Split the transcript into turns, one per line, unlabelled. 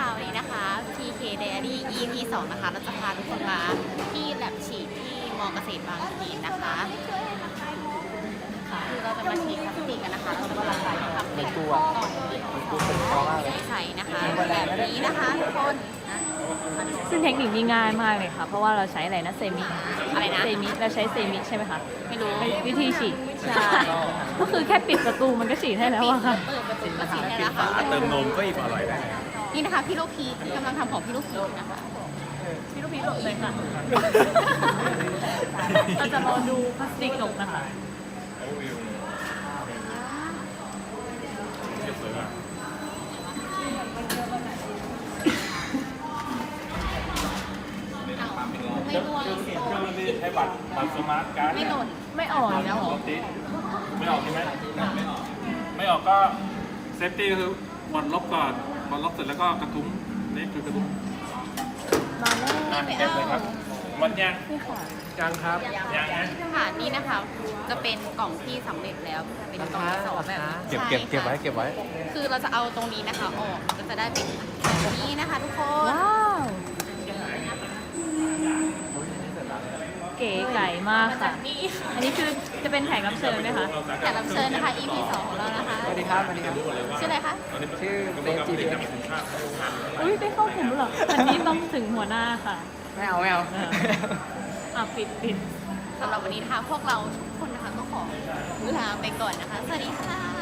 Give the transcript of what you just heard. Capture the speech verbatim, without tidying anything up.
วันนี้นะคะ พี เค Diary อี พี สองนะคะเราจะพาทุกคนมาที่แลบฉีดที่มอเกษตรบางพลีนะคะคือเราจะมาฉีดพลาสติกกันนะคะเราจะมาทำเป็นก้อนใสๆนะคะแบบนี้นะคะทุกคนนะ
ซึ่งเทคนิคนี้ง่ายมากเลยค่ะ เพราะว่าเราใช้อะไรนะเซมิ
อะไรนะ
เซมิเราใช้เซมิใช่ไหมคะ
ไม่รู้
เป็นวิธีฉีด
ใช่
ก็คือแค่ปิดประตูมันก็ฉีดให้แล้วอะค่ะ
เปิดประตูก็ฉีดให้แล้วค่ะ
เติมนมก็อิ่มอร่อยได้นะครับ
นี่นะคะพี่ลูกพีกำลังทำของพี่ลูกพีนะคะ
พี่ลูกพีหลบเลยค่ะ เราจะรอดูพลาสติกหลบนะคะ
ไม่ร่วง
เครื่องนี้ใช้บัตรบัตรสมาร์ทการ์ด
ไม่หล่น
ไม่อ่อนแล้วเหรอ
ไม่ออกใช่ไหมไม่ออกไม่ออกก็เซฟตี้ก็คือบอลลบก่อนบอลลบเสร็จแล้วก็กระทุ้งนี่คือกระทุ้ง
มาแล้ว
อ่ะเก็บเลยครับมันยัง
นี่ค่ะ
ยังครับยังนะ
ค่ะนี่นะคะ จะเป็นกล่องที่สำเร็จแล้วเป็นกล่องที่สองแบบนี้
เก็บเก็บเก็บไว้
ใช่ค่ะ
เก็บไว้
คือเราจะเอาตรงนี้นะคะออกก็จะได้เป็นแบบนี้นะคะทุกคน
ว้าวเก๋ไก่มากค่ะ
นี่
อันนี้คือจะเป็นแขกรับเชิญไหมคะ
แขกรับเชิญนะคะ อี พี สองของเรานะคะ
สวัสดีครับสวัสดีครับ
ชื่ออะไรคะ
ชื่อเซฟจีพีเอส
อุ้ยได้เข้าถึงแล้วเหรออันนี้ต้องถึงหัวหน้าค่ะ
ไม่เอาไม่เอา
เออ อ่ะปิดปิด
สำหรับวันนี้นะคะพวกเราทุกคนนะคะก็ขอลาไปก่อนนะคะ สวัสดีค่ะ